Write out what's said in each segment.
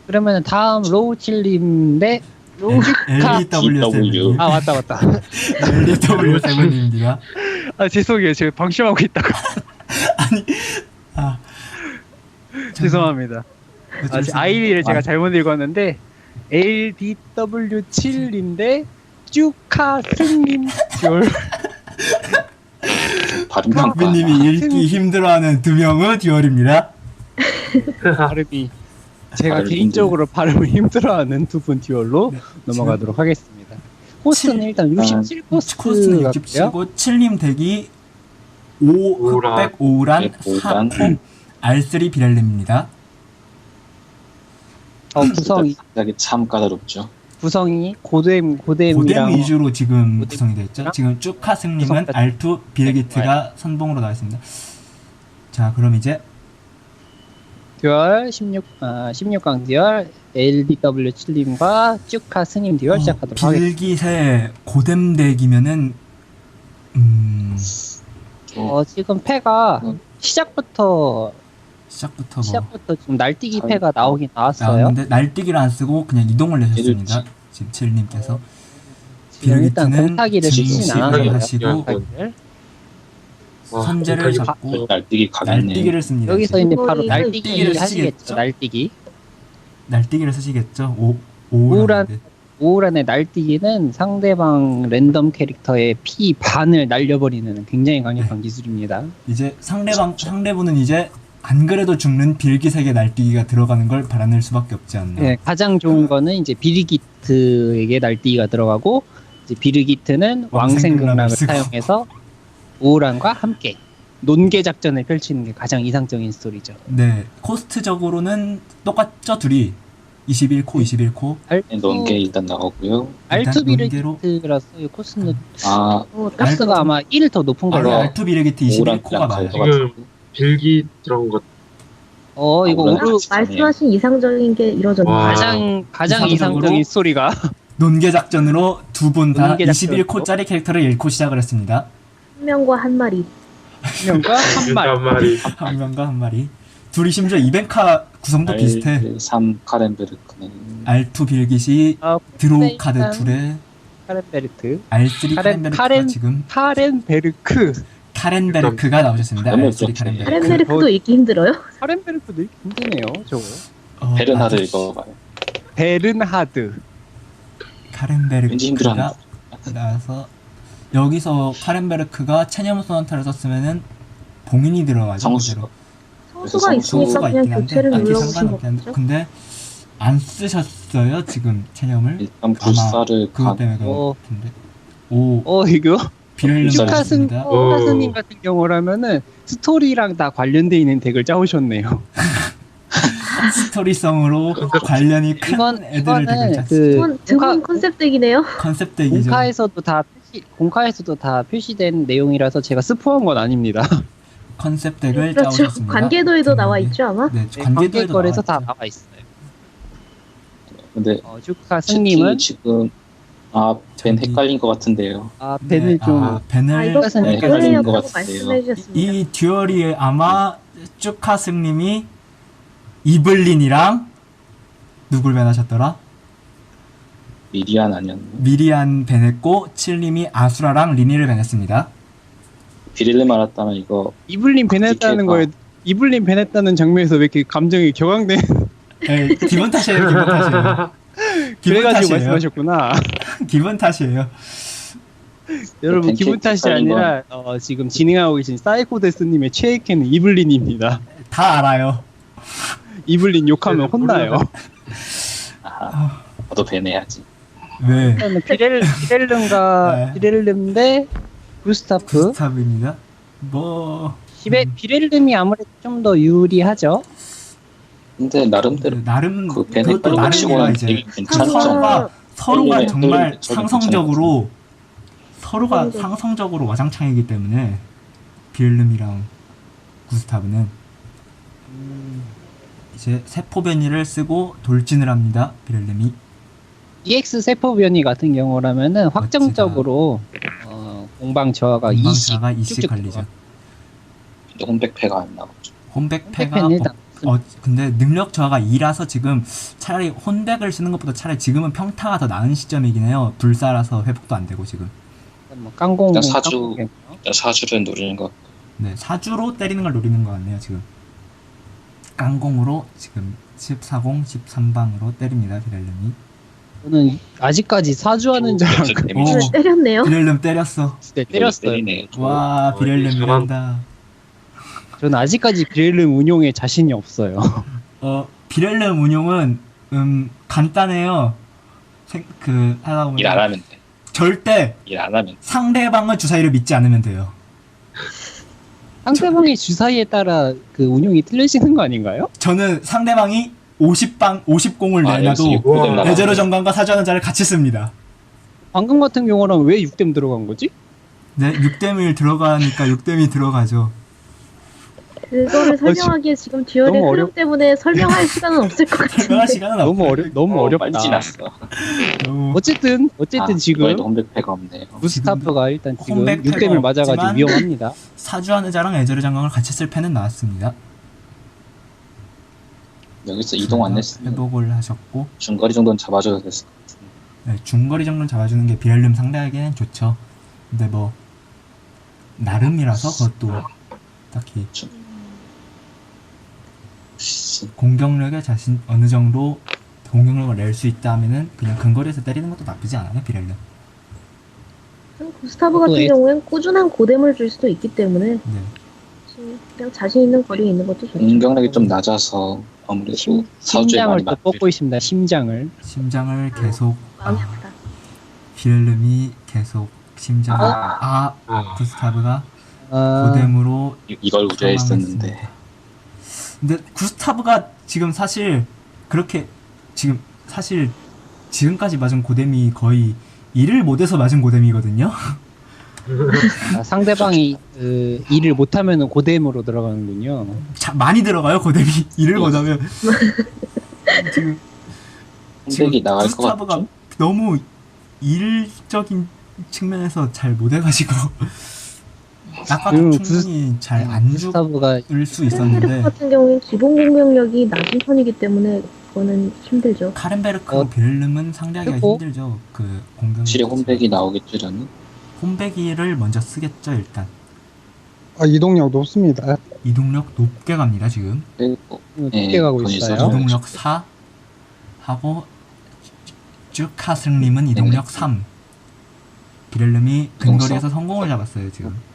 그러면 다음 로우칠님 대 LEW7. 아 맞다. LEW7입니다. 아 죄송해요. 제가 방심하고 있다가 아, 죄송합니다. 아이디를 제가 잘못 읽었는데 LDW7님 대 쭈카스님 듀얼. 발음 평가. 박비님이 읽기 힘들어하는 두 명의 듀얼입니다. 발음이 제가 발음이 개인적으로 발음을 힘들어하는 두 분 듀얼로 네, 넘어가도록 하겠습니다. 코스는 일단 67 코스는 코스 같고요. 67고 7님 덱이 5 흑백 오우란 4 R3 비렐렘입니다. 구성이 갑자기 참 까다롭죠. 고뎀 고뎀이랑 위주로 지금 고뎀 구성이 되어 있죠. 지금 쭈카승님은 구성까지. R2 비레기트가 선봉으로 나와 있습니다. 자, 그럼 이제 듀얼 16강 듀얼 LDW7님과 쭈카 스님 듀얼 시작하도록 하겠습니다. 빌깃의 고뎀 덱이면은 지금 패가 시작부터 지금 날뛰기 패가 나오긴 나왔어요. 나왔는데 날뛰기를 안 쓰고 그냥 이동을 내셨습니다. 지금 7님께서 지금 일단 비레기트는 공타기를 쓰진 증식을 않았어요. 하시고 공타기를. 선제를 잡고 날뛰기 가겠네. 날뛰기를 씁니다. 여기서 이제 바로 이거 날뛰기 날뛰기를 하시겠죠. 쓰시겠죠? 날뛰기를 쓰시겠죠. 우울한 오우란데. 오우란의 날뛰기는 상대방 랜덤 캐릭터의 피 반을 날려버리는 굉장히 강력한 기술입니다. 이제 상대분은 이제 안 그래도 죽는 빌깃에게 날뛰기가 들어가는 걸 바라는 수밖에 없지 않나. 네, 가장 좋은 거는 이제 비르기트에게 날뛰기가 들어가고 이제 비르기트는 왕생극락을 왕생극락을 쓰고. 사용해서 오우란과 함께 논계 작전을 펼치는 게 가장 이상적인 스토리죠. 네, 코스트적으로는 똑같죠, 둘이. 21코. 논게 일단 나오고요. 알투 논계로- 비르기트라서 이 코스는 아, 코스가 아마 1 더 높은 걸로. 알아. R2 비레기트 오우란 21코가 그냥 맞아요. 가져가- 지금 빌기 들어간 것 이거 오우란 오르 말씀하신 이상적인 게 이루어졌네요. 와. 가장 이상적으로 이상적인 스토리가 논계 작전으로 두 분 다 논계 작전으로. 21코짜리 캐릭터를 잃고 시작을 했습니다. 한 명과 한 마리. 명과 한 말. 한 마리. 한 명과 한 마리. 둘이 심지어 이벤카 구성도 비슷해. 3 카렌베르크네. R2 빌깃이 드로우 네, 카드 일단 둘에 카렌베르트. R3 카렌베르크가 지금 카렌베르크. 카렌베르크가 나오셨습니다. 너무 R3 어렵죠. 카렌베르크. 카렌베르크도 읽기 힘들어요? 카렌베르크도 힘드네요, 저거. 베르나드 맞아. 읽어봐요. 베른하드. 왠지 카렌베르크가 힘들어하는 나와서 여기서 카렌베르크가 체념 소나타를 썼으면은 봉인이 들어가죠. 성수가. 성수가 있으니까 그냥 교체를 딱히 눌러보신 상관없긴 한데 거죠? 근데 안 쓰셨어요 지금 체념을. 일단 불사를 그것 때문에 그런 어. 것 같은데. 이거 비렐름 불사를 나왔습니다. 슈카스님 같은 경우라면은 스토리랑 다 관련돼 있는 덱을 짜오셨네요. 스토리성으로 관련이 큰 애들을 되게 짰어요. 그 드문 컨셉덱이네요. 컨셉 덱이죠. 공카에서도 다 표시된 내용이라서 제가 스포한 건 아닙니다. 컨셉 덱을 그렇죠. 짜오셨습니다. 관계도에도 나와 있죠 아마? 네, 네, 관계도에도 관계거에서 다 나와 있죠. 나와 있어요. 근데 슈카스님은 지금 벤 헷갈린 것 같은데요. 벤을 좀 벤을 이거 슈카스님 네, 헷갈리는 헷갈리는 것 플레이였다고 같은데요. 말씀해 주셨습니다. 이 듀얼이 아마 쭈카승님이 이블린이랑 누굴 벤하셨더라? 미리안 아니었나? 미리안 벤했고 칠님이 아수라랑 리니를 벤했습니다. 비릴레 말았다면 이거 이블린 벤했다는 그렇게 거에 이블린 벤했다는 장면에서 왜 이렇게 감정이 격앙된 네, 기분 탓이에요. 기분 탓이에요. 기분 그래가지고 탓이에요. 말씀하셨구나. 기분 탓이에요. 여러분 기분 탓이 헷갈린 건- 아니라 지금 진행하고 계신 사이코데스님의 최애캐는 이블린입니다. 다 알아요. 이블린 욕하면 혼나요. 아하, 저도 벤 해야지. 왜? 일단은 비렐름과 네. 비렐름 대 구스타프. 스탑입니다. 뭐 비렐름이 아무래도 좀 더 유리하죠. 근데 나름대로 나름 그벤 그것도 헷갈린 거 치고는 나름이라 이제 되게 괜찮죠. 서로가 네, 정말 네, 저도 상성적으로 네. 상성적으로 와장창이기 때문에 비엘름이랑 구스타브는 이제 세포변이를 쓰고 돌진을 합니다. 비엘름이 EX 세포 변이 같은 경우라면은 확정적으로 공방 저하가 20 공방차가 20 쭉쭉 걸리죠. 근데 홈백패가 안 나오죠. 홈백패가 홈백패는 일단 근데 능력 저하가 2라서 지금 차라리 혼백을 쓰는 것보다 차라리 지금은 평타가 더 나은 시점이긴 해요. 불사라서 회복도 안 되고 지금. 뭐 깡공 일단 사주. 깡공이겠네요. 일단 사주를 노리는 것. 네, 사주로 때리는 걸 노리는 것 같네요 지금. 깡공으로 지금 14공 13방으로 때립니다 비렐름이. 저는 아직까지 사주하는 줄 알고 데미지 오. 때렸네요. 비렐름 때렸어. 때렸어요. 때리네. 와 비렐름 잘한- 이란다. 저는 아직까지 비렐름 운용에 자신이 없어요. 비렐름 운용은 간단해요. 하다 보면 일 안 하면 돼. 절대 일 안 하면 돼. 상대방의 주사위를 믿지 않으면 돼요. 상대방의 주사위에 따라 그 운용이 틀려지는 거 아닌가요? 저는 상대방이 50공을 아, 역시 내놔도 육고댐 나가네. 레제로 정관과 사주하는 자를 같이 씁니다. 방금 같은 경우는 왜 6댐 들어간 거지? 네, 6댐이 들어가니까 6댐이 들어가죠. 그거를 설명하기에 지금 듀얼의 너무 흐름 때문에 설명할 시간은 없을 것 설명할 같은데. 시간은 너무 어렵다. 빨리 지났어. 너무 어쨌든 지금 이번에도 홈백패가 없네요. 구스타프가 일단 지금 홈백 6댐을 패가 맞아가지고 없지만 위험합니다. 사주하는 자랑 에제르 장관을 같이 쓸 패는 나왔습니다. 여기서 이동 안 했으면 회복을 하셨고 중거리 정도는 잡아줘야 됐을 것 같은데. 네, 중거리 정도는 잡아주는 게 비렐름 상대에게는 좋죠. 근데 뭐 나름이라서 그것도 딱히 공격력에 자신 어느 정도 공격력을 낼 수 있다 하면은 그냥 근거리에서 때리는 것도 나쁘지 않아요 비렐름. 구스타브 같은 또 경우엔 꾸준한 고뎀을 줄 수도 있기 때문에 네. 그냥 자신 있는 거리에 있는 것도 좋죠. 공격력이 좀 낮아서 아무래도 사주에 심장을 많이 또 맞. 뽑고 있습니다. 심장을. 심장을 계속 마음이 아프다. 비렐름이 계속 심장을 아, 구스타브가 아, 고뎀으로 이걸 우려했었는데. 사망했습니다. 근데 구스타브가 지금 사실 그렇게 지금까지 맞은 고뎀이 거의 일을 못해서 맞은 고뎀이거든요. 상대방이 일을 못하면 고뎀으로 들어가는군요. 많이 들어가요 고뎀이 일을 못하면. 지금 홈백이 나갈 것 구스타브가 같죠? 너무 일적인 측면에서 잘 못해가지고 아까도 지금 충분히 잘 안 구스타브가 죽을 수 카렌베르크 있었는데 같은 경우엔 기본 공격력이 낮은 편이기 때문에 그거는 힘들죠. 카렌베르크 비렐름은 상대하기가 그리고- 힘들죠. 그 공격 확실히 홈백이 나오겠지라는. 홈백이를 먼저 쓰겠죠 일단. 이동력 높습니다. 이동력 높게 갑니다 지금. 그리고 높게 가고 본인이 있어요. 써주는 이동력 4 하고 쭈카승님은 이동력 3. 비렐름이 근거리에서 성공을 잡았어요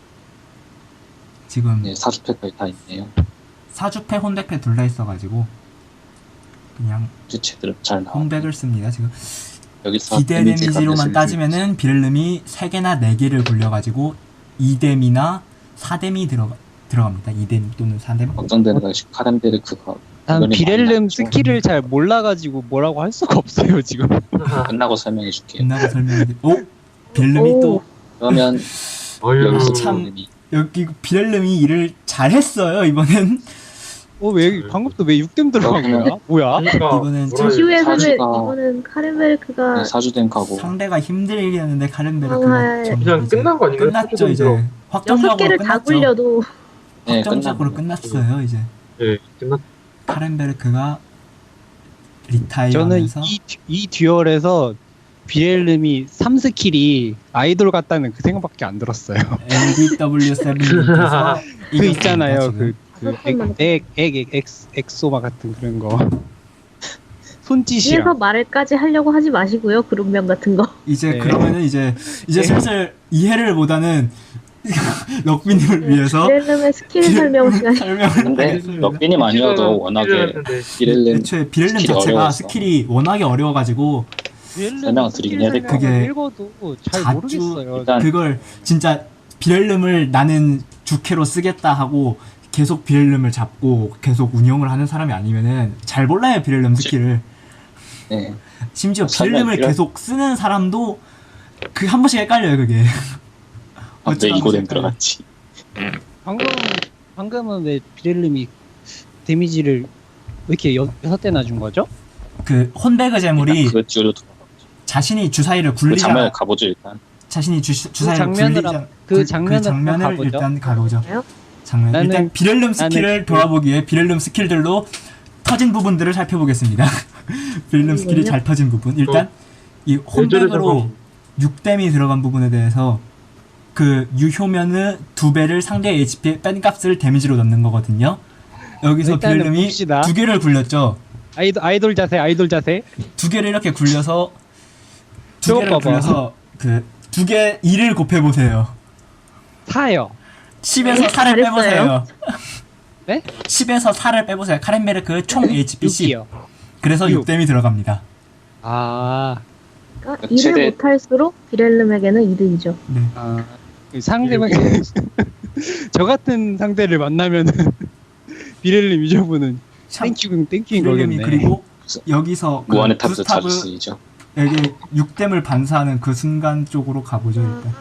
지금 네, 사주패까지 다 있네요. 사주패 혼백패 둘 다 있어가지고 그냥 이제 제대로 잘 나와. 혼백을 씁니다 지금. 여기서 기대 데미지가 데미지로만 됐을 따지면은 비렐름이 3개나 4개를 굴려가지고 2뎀이나 4뎀이 들어갑니다. 2뎀 또는 4뎀. 걱정되는 것이 카렌베르크가 난 이번에 비렐름 많이 났죠. 스킬을 잘 몰라가지고 뭐라고 할 수가 없어요 지금. 끝나고 설명해 줄게요. 끝나고 설명해. 비렐름이 또 그러면 어휴, 여기서 참- 참 여기 비렐름이 일을 잘했어요 이번엔. 왜 방금 또 왜 6댐 들어간 거야? 뭐야? 그러니까 이번엔 뭐라 해야 되지? 이후에서는 사주가- 이거는 카렌베르크가 사주된 가고 상대가 힘들게 하는데 카렌베르크가 아, 그냥 끝난 거 아닌가요? 끝났죠 이제. 여섯 확정적으로 개를 다 끝났죠. 굴려도 네, 확정적으로 끝났네요. 끝났어요 이제. 네, 끝났. 카렌베르크가 저는 리타이어하면서 이 듀얼에서 비렐름이 3스킬이 아이돌 같다는 그 생각밖에 안 들었어요. LDW7에서 그 있잖아요. 그 다섯 번만 엑소마 같은 그런 거. 손짓이랑. 위에서 말을까지 하려고 하지 마시고요. 그룹명 같은 거. 이제 네. 그러면은 이제 네. 슬슬 이해를 못하는 럭비님을 위해서 비렐름의 스킬 설명 시간이 설명을 근데 하겠습니다. 럭비님 아니어도 워낙에 비렐름 애초에 비렐름 스킬이 자체가 어려웠어. 스킬이 워낙에 어려워가지고 설명을 드리긴 해야 될것 같아요. 그게 읽어도 잘 자주 모르겠어요. 일단 그걸 진짜 비렐름을 나는 주캐로 쓰겠다 하고 계속 비렐름을 잡고 계속 운영을 하는 사람이 아니면은 잘 몰라요 비렐름 스킬을. 네. 심지어 설명 비렐름을 필요- 계속 쓰는 사람도 그 한 번씩 헷갈려요 그게. 아, 왜 어쩌다 이고뎀 보니까. 들어갔지? 방금은 왜 비렐름이 데미지를 왜 이렇게 6대나 준 거죠? 그 혼베그 재물이 그 뒤로 자신이 주사위를 그 굴리자 장면을 가보죠 일단. 자신이 주사위를 장면을 굴리자 그 장면을 한번 장면을 가보죠. 일단 가보죠. 장면. 일단 비렐름 스킬을 돌아보기 위해 비렐름 스킬들로 터진 부분들을 살펴보겠습니다. 비렐름 스킬이 잘 터진 부분. 일단 이 홈백으로 6댐이 들어간 부분에 대해서 그 유효면은 2배를 상대의 HP에 뺀 값을 데미지로 넣는 거거든요. 여기서 비렐름이 2개를 굴렸죠. 아이돌 자세. 2개를 이렇게 굴려서 2개를 굴려서 그 2개 2를 곱해보세요. 4요. 10에서 4를 빼보세요. 네? 10에서 4를 빼보세요. 카렌베르크 총 HP 10. 6이요. 그래서 6댐이 들어갑니다. 아. 그러니까 일을 못할수록 비렐름에게는 이득이죠. 네. 아. 상대방 저 같은 상대를 만나면은 비렐름 유저분은 땡큐인 비렐름이 거겠네. 그리고 여기서 무한의 그 탑도 자주 쓰이죠. 여기 6댐을 반사하는 그 순간 쪽으로 가보죠. 일단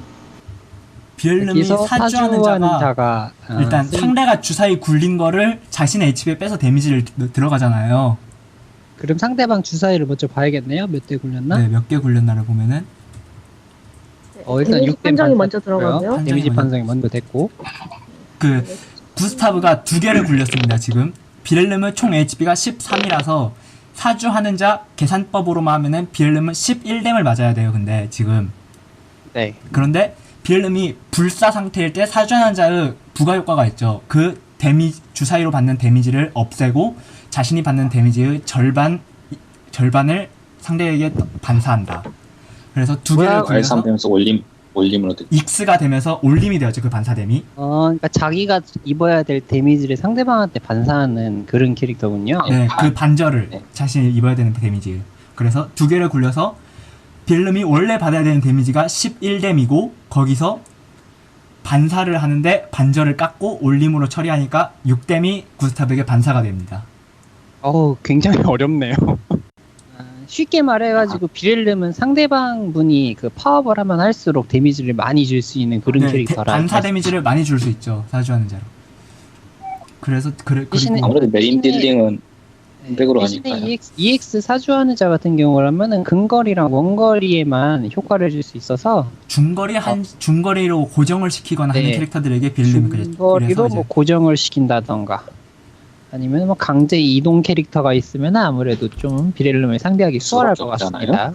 비렐름이 사주하는 자가 일단 상대가 주사위 굴린 거를 자신의 HP에 빼서 데미지를 들어가잖아요. 그럼 상대방 주사위를 먼저 봐야겠네요. 몇 대 굴렸나? 네, 몇 개 굴렸나를 보면은 일단 데미지 6댐 판정이 먼저 들어가고요. 데미지 판정이 먼저 됐고 그 구스타브가 2개를 굴렸습니다. 지금 비렐름은 총 HP가 13이라서 사주하는 자 계산법으로만 하면은 비렐름은 11댐을 맞아야 돼요. 근데 지금 네. 그런데 비렐름이 불사 상태일 때 사주하는 자의 부가 효과가 있죠. 그 주사위로 받는 데미지를 없애고 자신이 받는 데미지의 절반을 상대에게 반사한다. 그래서 2개를 굴려서 R3되면서 올림으로 됐죠. X가 되면서 올림이 되었죠. 그 반사댐이. 그러니까 자기가 입어야 될 데미지를 상대방한테 반사하는 그런 캐릭터군요. 네, 그 반절을 네. 자신이 입어야 되는 데미지. 그래서 2개를 굴려서 비렐름이 원래 받아야 되는 데미지가 11댐이고 거기서 반사를 하는데 반절을 깎고 올림으로 처리하니까 6댐이 구스타브에게 반사가 됩니다. 굉장히 어렵네요. 쉽게 말해가지고 비렐름은 상대방 분이 그 파업을 하면 할수록 데미지를 많이 줄 수 있는 그런 캐릭터라. 반사 데미지를 많이 줄 수 있죠. 사주하는 자로. 그래서 그리고 아무래도 메인 딜링은 백으로 대신에 하니까요. EX 사주하는 자 같은 경우라면은 근거리랑 원거리에만 효과를 줄 수 있어서 중거리로 고정을 시키거나 하는 캐릭터들에게 비렐름이 중거리로 뭐 고정을 시킨다던가 아니면 뭐 강제 이동 캐릭터가 있으면 아무래도 좀 비렐름을 상대하기 수월할 것 같습니다.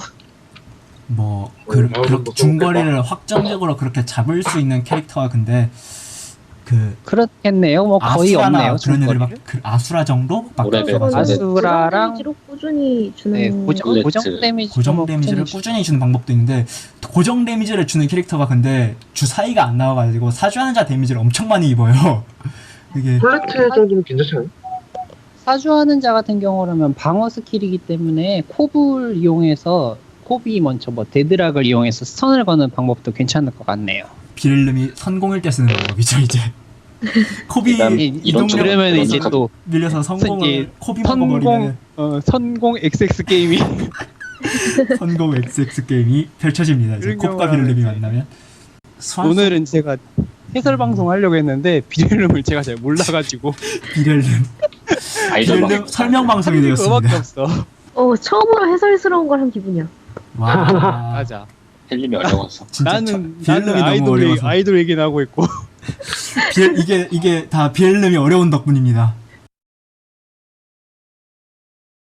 그렇게 중거리를 확정적으로 그렇게 잡을 수 있는 캐릭터가 근데 그렇겠네요. 뭐 거의 없네요. 그런 애들 아수라 정도? 아수라랑 데미지로 꾸준히 주는 고정 데미지를 꾸준히 주는 방법도 있는데 고정 데미지를 주는 캐릭터가 근데 주사위가 안 나와가지고 사주하는 자 데미지를 엄청 많이 입어요. 이게 콜레트 정도는 괜찮잖아요. 사주하는 자 같은 경우라면 방어 스킬이기 때문에 콥을 이용해서 콥이 먼저 뭐 데드락을 이용해서 스턴을 거는 방법도 괜찮을 것 같네요. 비렐름이 선공일 때 쓰는 방법이죠 이제. 콥이 이동력을 이제 또 밀려서 성공을 콥이 먹어버리면 선공 XX 게임이 선공 XX 게임이 펼쳐집니다. 이제 콥과 비렐름이 만나면. 오늘은 제가 해설 방송 하려고 했는데 비렐름을 제가 잘 몰라가지고 비렐름 설명 방송이 되었습니다. 그거밖에 없어. 처음으로 해설스러운 걸 한 기분이야. 와 맞아. 헬림이 어려워서. 나는 아이돌 얘기나 하고 있고. 이게 다 비렐름이 어려운 덕분입니다.